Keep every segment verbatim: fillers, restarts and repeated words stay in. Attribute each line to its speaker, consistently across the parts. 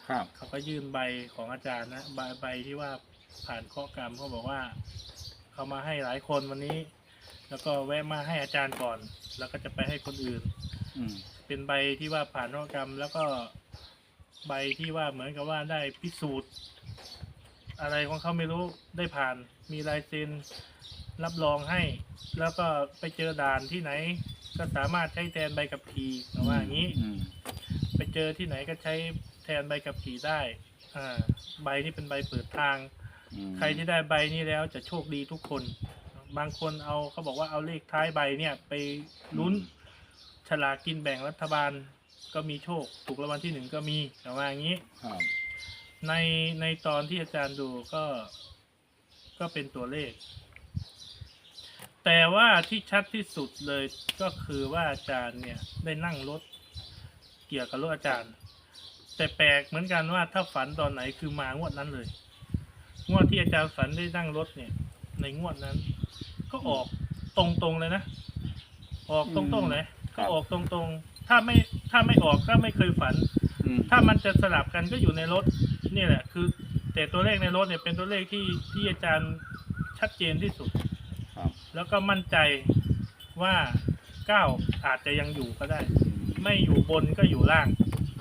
Speaker 1: ครับ
Speaker 2: เขาก็ยื่นใบของอาจารย์นะใบใบที่ว่าผ่านข้อกรรมเขาบอกว่าเขามาให้หลายคนวันนี้ แล้วก็แวะมาให้อาจารย์ก่อน แล้วก็จะไปให้คนอื่น
Speaker 1: อืม
Speaker 2: เป็นใบที่ว่าผ่านข้อกรรม แล้วก็ใบที่ว่าเหมือนกับว่าได้พิสูจน์ อะไรของเขาไม่รู้ได้ผ่านมีลายเซ็นรับรองให้ แล้วก็ไปเจอด่านที่ไหน ก็สามารถใช้แทนใบขับขี่แต่ว่าอย่างนี้
Speaker 1: อืม
Speaker 2: ไปเจอที่ไหนก็ใช้แทนใบขับขี่ได้อ่าใบนี้เป็นใบเปิดทาง
Speaker 1: อืม
Speaker 2: ใครที่ได้ใบนี้แล้วจะโชคดีทุกคน บางคนเอาเขาบอกว่าเอาเลขท้ายใบเนี่ยไปลุ้นฉลากกินแบ่งรัฐบาลก็มีโชคถูกรางวัลที่หนึ่งก็มีแต่ว่าอย่างนี้
Speaker 1: ครับ
Speaker 2: ในในตอนที่อาจารย์ดูก็ก็เป็นตัวเลข แต่ว่าที่ชัดที่สุดเลยก็คือว่าอาจารย์เนี่ยได้นั่งรถเกี่ยวกับรถอาจารย์ แต่แปลกเหมือนกันว่าถ้าฝันตอนไหนคือมางวดนั้นเลย งวดที่อาจารย์ฝันได้นั่งรถเนี่ย ในงวดนั้น ก็ออกตรงๆเลยนะ ออกตรงๆเลยก็ออกตรงๆ ถ้าไม่ถ้าไม่ออกก็ไม่เคยฝัน
Speaker 1: อืม
Speaker 2: ถ้ามันจะสลับกันก็อยู่ในรถนี่แหละคือ แต่ตัวเลขในรถเนี่ยเป็นตัวเลขที่ที่อาจารย์ชัดเจนที่สุด
Speaker 1: ครับ
Speaker 2: แล้วก็มั่นใจว่าเก้าอาจจะยังอยู่ก็ได้ ไม่อยู่บนก็อยู่ล่าง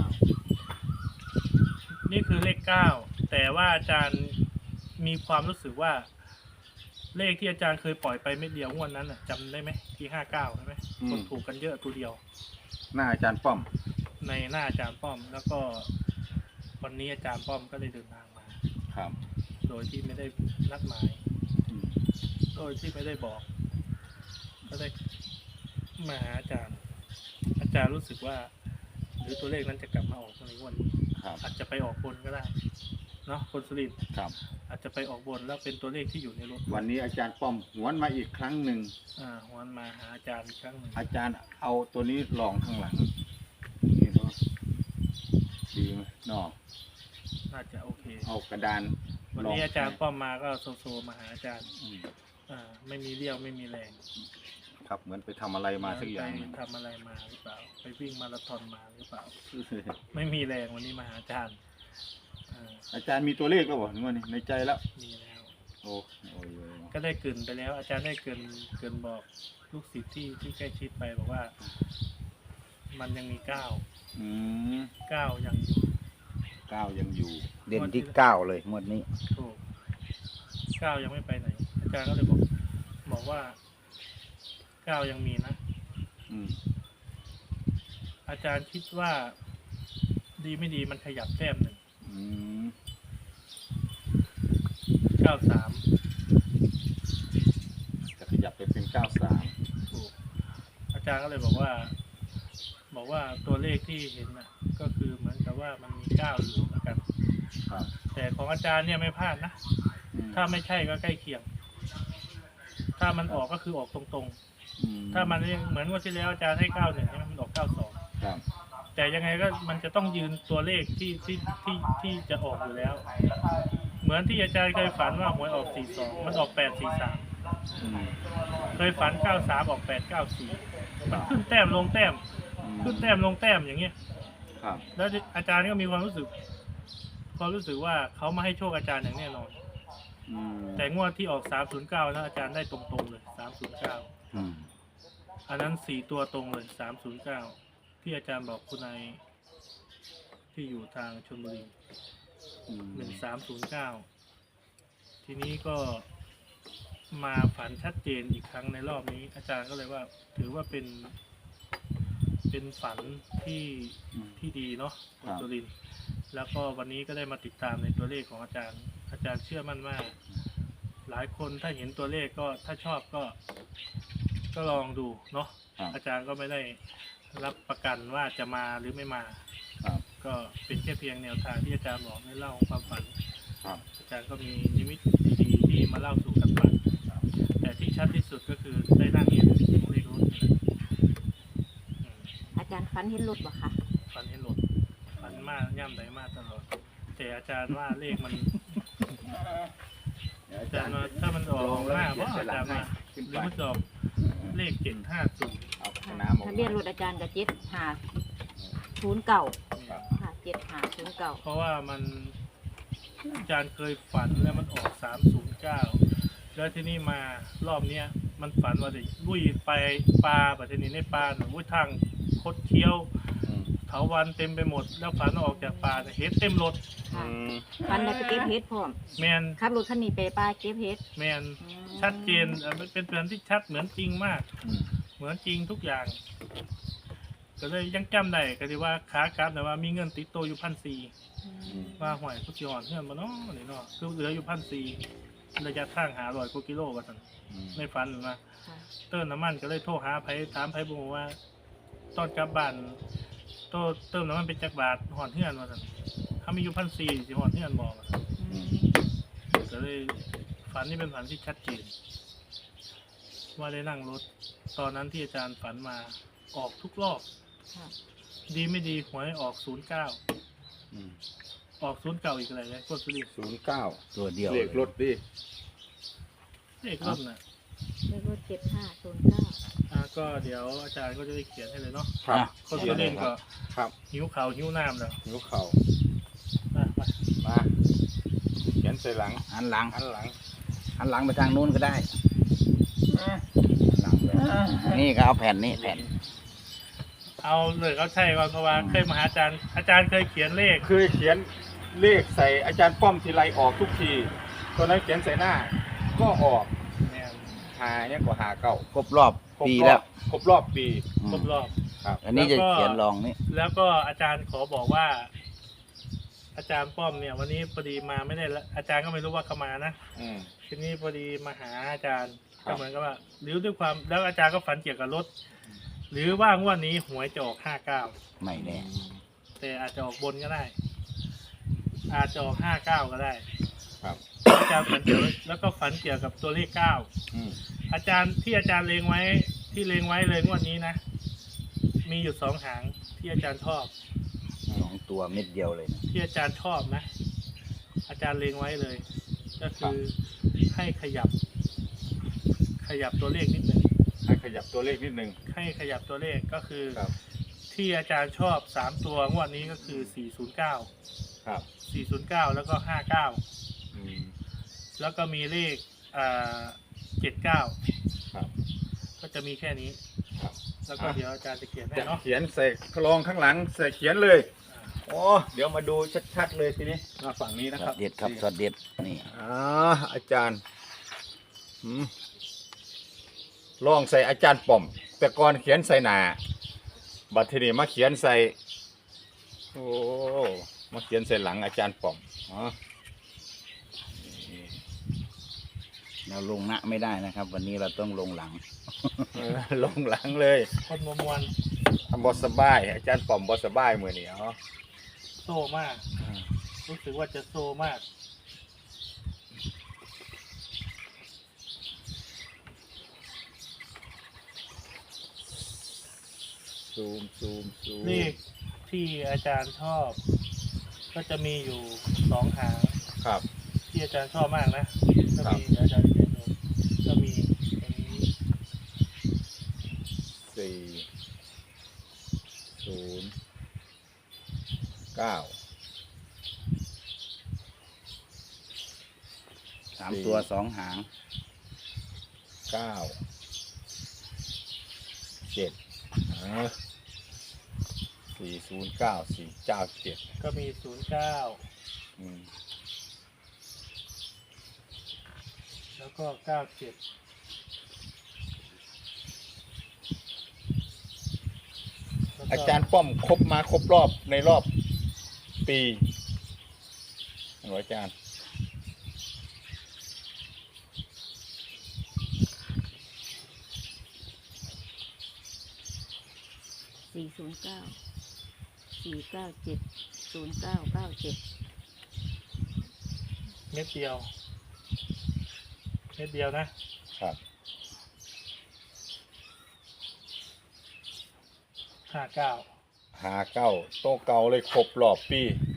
Speaker 2: นี่คือเลขเก้าแต่ว่าอาจารย์มีความรู้สึกว่า เลขที่อาจารย์เคยปล่อยไปเม็ดเดียวงวดนั้นน่ะจำได้ไหมที่ห้าเก้าใช่ไหมคนถูกกันเยอะตัวเดียว
Speaker 1: หน้าอาจารย์ป้อม
Speaker 2: ในหน้าอาจารย์ป้อม แล้วก็วันนี้อาจารย์ป้อมก็ได้เดินทางมา
Speaker 1: ครับ
Speaker 2: โดยที่ไม่ได้นัดหมาย
Speaker 1: อืม
Speaker 2: โดยที่ไม่ได้บอก ก็ได้มาหาอาจารย์ อาจารย์รู้สึกว่า หรือตัวเลขนั้นจะกลับมาออกในวันนี้
Speaker 1: ครับ
Speaker 2: อาจจะไปออกบนก็ได้เนาะคนสุรินทร์
Speaker 1: ครับ
Speaker 2: อาจจะไปออกบนแล้วเป็นตัวเลขที่อยู่ในรถ
Speaker 1: วันนี้อาจารย์ป้อมหวนมาอีกครั้งหนึ่ง
Speaker 2: อ่าวันมาหาอาจารย์อีกครั้งหนึ่ง
Speaker 1: อาจารย์เอาตัวนี้ลองข้างหลังนี่เนาะดีไหมนอก
Speaker 2: น่าจะโอเค
Speaker 1: เอากระดาน
Speaker 2: วัน
Speaker 1: ลอง
Speaker 2: นี้อาจารย์ป้อมมาก็โซโซมาหาอาจารย์
Speaker 1: อืม
Speaker 2: อ่าไม่มีเรี่ยวไม่มีแรง
Speaker 1: ครับเหมือนไปทำอะไรมาสักอย่างห
Speaker 2: ไป
Speaker 1: นึ่ง
Speaker 2: ทำอะไรมาหรือเปล่า ไปวิ่งมาราธอนมาหรือเปล่า ไม่มีแรงวันนี้มาหาอาจารย์อ่า
Speaker 1: อาจารย์มีตัวเลขแล้วบ่ถึงวันนี้ในใจแล้ว
Speaker 2: มีแล้ว
Speaker 1: โอ้โอ้ย
Speaker 2: ก็ได้เกรินไปแล้ว อาจารย์ได้เกรินเกรินบอกลูกศิษย์ที่ที่ใกล้ชิดไปบอกว่า มันยังมีเก้า
Speaker 1: อืม
Speaker 2: เก้ายังอยู่
Speaker 1: เก้ายังอยู่
Speaker 3: เด่นที่เก้าเลยงวดนี้
Speaker 2: ถูกเก้ายังไม่ไปไหน อาจารย์ก็เลยบอก บอกว่าเก้ายังมีนะ
Speaker 1: อืม
Speaker 2: อาจารย์คิดว่า ดีไม่ดีมันขยับแต้มหนึ่ง
Speaker 1: อืม
Speaker 2: เก้าสาม
Speaker 1: จะขยับไปเป็นเก้าสาม
Speaker 2: ถูก อาจารย์ก็เลยบอกว่า บอกว่าตัวเลขที่เห็นน่ะ ก็คือเหมือนกับว่ามันมีเก้าอยู่แล้วกัน
Speaker 1: ครับ
Speaker 2: แต่ของอาจารย์เนี่ยไม่พลาดนะ
Speaker 1: อืม
Speaker 2: ถ้าไม่ใช่ก็ใกล้เคียง ถ้ามันออกก็คือออกตรง
Speaker 1: อื
Speaker 2: ๆ ถ้ามันเหมือนว่าที่แล้วอาจารย์ให้เก้าหนึ่งใช่ไหมมันออกเก้าสอง
Speaker 1: ครับ
Speaker 2: แต่ยังไงก็มันจะต้องยืนตัวเลขที่ที่ที่ที่จะออกอยู่แล้ว เหมือนที่อาจารย์เคยฝันว่าหวยออกสี่สองมันออกแปดสี่สาม
Speaker 1: อืม
Speaker 2: เคยฝันเก้าสามออกแปดเก้าสี่มันขึ้นแต้มลงแต้ม
Speaker 1: อืม
Speaker 2: ขึ้นแต้มลงแต้มอย่างเงี้ย
Speaker 1: ครับ
Speaker 2: แล้วอาจารย์ก็มีความรู้สึก ความรู้สึกว่าเขามาให้โชคอาจารย์อย่างแน่นอน
Speaker 1: อืม
Speaker 2: แต่งวดที่ออกสามศูนย์เก้าแล้วอาจารย์ได้ตรงๆเลยสามศูนย์เก้า
Speaker 1: อืม
Speaker 2: อันนั้นสี่ตัวตรงเลยสามศูนย์เก้าที่อาจารย์บอกคุณนายที่อยู่ทางชลบุรี
Speaker 1: อืม
Speaker 2: หนึ่งสามศูนย์เก้าทีนี้ก็มาฝันชัดเจนอีกครั้งในรอบนี้ อาจารย์ก็เลยว่า ถือว่าเป็น เป็นฝันที่
Speaker 1: อืม
Speaker 2: ที่ดีเนาะ
Speaker 1: ค
Speaker 2: คุ
Speaker 1: รั
Speaker 2: ณ
Speaker 1: บ
Speaker 2: สุรินทร์แล้วก็วันนี้ก็ได้มาติดตามในตัวเลขของอาจารย์ อาจารย์เชื่อมั่นว่า หลายคนถ้าเห็นตัวเลขก็ถ้าชอบก็ ก็ลองดูเนาะ
Speaker 1: ครับ
Speaker 2: อาจารย์ก็ไม่ได้รับประกันว่าจะมาหรือไม่มา
Speaker 1: ครับ
Speaker 2: ก็เป็นแค่เพียงแนวทางที่อาจารย์บอกให้เล่าความฝัน
Speaker 1: ครับ
Speaker 2: อาจารย์ก็มีนิมิตดีๆที่มาเล่าสู่กันฟังแต่ที่ชัดที่สุดก็คือได้นั่งเห็นเลขรถนี่แหละอืม
Speaker 4: อาจารย์ฟันเห็นรถบ่คะ
Speaker 2: ฝันเห็นรถฝันมากย่ำใดมากตลอด แต่อาจารย์ว่าเลขมัน
Speaker 1: เดี๋ยว
Speaker 2: อา
Speaker 1: อา
Speaker 2: จา
Speaker 1: จาร ร
Speaker 2: ย์
Speaker 1: ย์
Speaker 2: ว่าถ้ามันออก
Speaker 1: ลองแล้ว
Speaker 2: หน้า
Speaker 1: เขีย
Speaker 2: ว่าน
Speaker 1: ใส่
Speaker 2: อา
Speaker 1: หลั
Speaker 2: จาง รย์
Speaker 1: ให้
Speaker 2: ว่า
Speaker 1: ขึ้น
Speaker 2: ห
Speaker 1: ไป
Speaker 2: รือมันจะออกเลขเจ็ดห้าศูนย์
Speaker 1: เอาน้ำออก
Speaker 4: ทะ
Speaker 1: มา
Speaker 4: เบียนรถอาจารย์กับเจ็ดห้าศูนย์เก่า
Speaker 1: ครับ
Speaker 4: ค่ะเจ็ดห้าศูนย์เก้า
Speaker 2: เพราะว่ามันอาจารย์เคยฝันแล้วมันออกสามศูนย์เก้าแล้วที่นี่มารอบเนี้ยมันฝันว่าจะลุยไปปลาปัจจุบันในปลาหนูวุ้ยทางคดเคี้ยว
Speaker 3: อืม
Speaker 2: เถาวันเต็มไปหมด แล้วฝันว่าออกจากป่าเนี่ยเห็ดเต็มรถ
Speaker 4: ค่ะ
Speaker 3: อืม
Speaker 4: ฟันได้ไปเก็บเฮ็ดพร้อม
Speaker 2: แมน
Speaker 4: ขับรถคันนี้ไปป้าเก็บเฮ็ด
Speaker 2: แมน
Speaker 4: อืม
Speaker 2: ชัดเจนเอ่อมันเป็นแผนที่ชัดเหมือนจริงมาก
Speaker 3: อืม
Speaker 2: เหมือนจริงทุกอย่าง ก็เลยยังจำได้ก็ที่ว่าขากลับแต่ว่ามีเงินติดตัวอยู่พันสี่
Speaker 4: อืม
Speaker 2: ว่าหวยพุทธิอ่อนเพื่อนมาเนาะนี่เนาะคือเหลืออยู่พันสี่ระยะทางหาร้อยกว่ากิโลว่าสัน
Speaker 3: อืม
Speaker 2: ในฝันนะ
Speaker 4: ค่ะ
Speaker 2: เติมน้ำมันก็เลยโทรหาไผถามไผบอกว่า ตอนกลับบ้านโตเติมน้ำมันเป็นจักรบาทหอนเพื่อนว่าสันถ้ามีอยู่พันสี่สิหอนเพื่อนบอกว่าซั่น
Speaker 4: อืม
Speaker 2: ก็เลยฝันนี่เป็นฝันที่ชัดเจนว่าได้นั่งรถ ตอนนั้นที่อาจารย์ฝันมาออกทุกรอบ
Speaker 4: ค่ะ
Speaker 2: ดีไม่ดีหวยออกศูนย์เก้า
Speaker 3: อืม
Speaker 2: ออกศูนย์เก้าอีกอะไรเลยกดสุรินทร์
Speaker 1: ศูนย์เก้า
Speaker 3: ตัวเดียว
Speaker 1: เลขรถดิ
Speaker 2: เลขรถน่ะ
Speaker 4: เลขรถเจ็ดห้าศูนย์เก้า
Speaker 2: อ่าก็เดี๋ยวอาจารย์ก็จะได้เขียนให้เลยเนาะ
Speaker 1: ครับ
Speaker 2: คนสุรินทร์ก็
Speaker 1: ครับ
Speaker 2: หิวข่าวหิวน้ำแล้ว
Speaker 1: นิ้วเข่า
Speaker 2: อ่ะไป
Speaker 1: มาเขียนใส่หลัง
Speaker 3: หันหลัง
Speaker 1: อันหลัง
Speaker 3: หันหลังไปทางนู้นก็ได้หลังเลยนี่ก็เอาแผ่นนี้แผ่น
Speaker 2: เอาเลยเขาใช่ก่อนเพราะว่าเคยมาหาอาจารย์ อาจารย์เคยเขียนเลข
Speaker 1: เคยเขียนเลขใส่อาจารย์ป้อมทีไรออกทุกทีตอนนั้นเขียนใส่หน้า ก็ออก
Speaker 2: เนี่ย
Speaker 1: หาเนี่ยกว่าหาเก้า
Speaker 3: ครบรอบ
Speaker 1: ครบ
Speaker 3: ปี
Speaker 1: ร
Speaker 3: แล้
Speaker 1: อ
Speaker 3: ว
Speaker 1: บครบรอบปี
Speaker 3: อืม
Speaker 2: ครบรอบ
Speaker 1: ครับ
Speaker 3: อันนี้จะเขียนรองนี่
Speaker 2: แล้วก็อาจารย์ขอบอกว่า อาจารย์ป้อมเนี่ย วันนี้พอดีมาไม่ได้ละอาจารย์ก็ไม่รู้ว่าเขามานะ
Speaker 1: อืม
Speaker 2: ทีนี้พอดีมาหาอาจารย์
Speaker 1: ครับ
Speaker 2: ก็เหมือนกับว่าหรือด้วยความแล้วอาจารย์ก็ฝันเกี่ยวกับรถ หรือว่างวดนี้หวยจะออกห้าเก้า
Speaker 3: ไม่แน่
Speaker 2: แต่อาจจะออกบนก็ได้ อาจจะออกห้าเก้าก็ได้
Speaker 1: ครับ
Speaker 2: อาจารย์ฝันเกี่ยวแล้วก็ฝันเกี่ยวกับตัวเลขเก้า
Speaker 1: อืม
Speaker 2: อาจารย์ที่อาจารย์เลงไว้ที่เลงไว้เลยงวดนี้นะ มีอยู่สองหางที่อาจารย์ชอบ
Speaker 3: สองตัวเม็ดเดียวเลยนะ
Speaker 2: ที่อาจารย์ชอบนะ อาจารย์เลงไว้เลย ก็คือให้ขยับ ขยับตัวเลขนิดหนึ่ง
Speaker 1: ให้ขยับตัวเลขนิดนึง
Speaker 2: ให้ขยับตัวเลขก็คือ
Speaker 1: ครับ
Speaker 2: ที่อาจารย์ชอบสามตัวงวดนี้ก็คือสี่ศูนย์เก้า
Speaker 1: ครับ
Speaker 2: สี่ศูนย์เก้าแล้วก็ห้าเก้า
Speaker 1: อืม
Speaker 2: แล้วก็มีเลขอ่าเจ็ดเก้า
Speaker 1: ครับ
Speaker 2: ก็จะมีแค่นี้
Speaker 1: ครับ
Speaker 2: แล้วก็เดี๋ยวอาจารย์จะเขียนให้
Speaker 1: จะ
Speaker 2: เนาะ
Speaker 1: เขียนใส่กรองข้างหลังใส่เขียนเลย โอ้เดี๋ยวมาดูชัดๆเลยทีนี้มาฝั่งนี้นะ
Speaker 3: ส
Speaker 1: ค
Speaker 3: อ
Speaker 1: รั
Speaker 3: ด
Speaker 1: บ
Speaker 3: เด็ดครับสอดเด็ดนี่
Speaker 1: อ่าอาจารย์หืมลองใส่อาจารย์ป้อม แต่ก่อนเขียนใส่หนาบัดทีนี้มาเขียนใส่โอ้มาเขียนใส่หลังอาจารย์ป้อมอ๋อ
Speaker 3: เราลงหน้าไม่ได้นะครับ วันนี้เราต้องลงหลัง
Speaker 1: เออลงหลังเลย
Speaker 2: คนมวมวน
Speaker 1: บอสบาย อาจารย์ป้อมบอสบายมือนี้อ๋อ
Speaker 2: โซ่มาก รู้สึกว่าจะโซ่มาก
Speaker 1: ซูมซูมซูม
Speaker 2: เลขที่อาจารย์ชอบ ก็จะมีอยู่สองหาง
Speaker 1: ครับ
Speaker 2: ที่อาจารย์ชอบมากนะก็
Speaker 1: ครับ
Speaker 2: มีเดี๋ยวอาจารย์จะเขียนดูก็มีอันนี้
Speaker 1: สี่ศูนย์เก้า
Speaker 3: สามตัวสองหาง
Speaker 1: เก้าเจ็ดสี่ศูนย์เก้าสี่เก้าเจ็ด
Speaker 2: ก็มีศูนย์เก้า
Speaker 1: อืม
Speaker 2: แล้วก็เก้าเจ็ด
Speaker 1: อาจารย์ป้อมครบมาครบรอบในรอบปีเหรออาจารย์
Speaker 4: สี่ศูนย์เก้าสี่เก้าเจ็ดศูนย์เก้าเก้าเจ็ด
Speaker 2: เม็ดเดียว เม็ดเดียวนะครับ ห้าเก้า
Speaker 1: หาเก้าโตะเก่าเลยครบรอบปี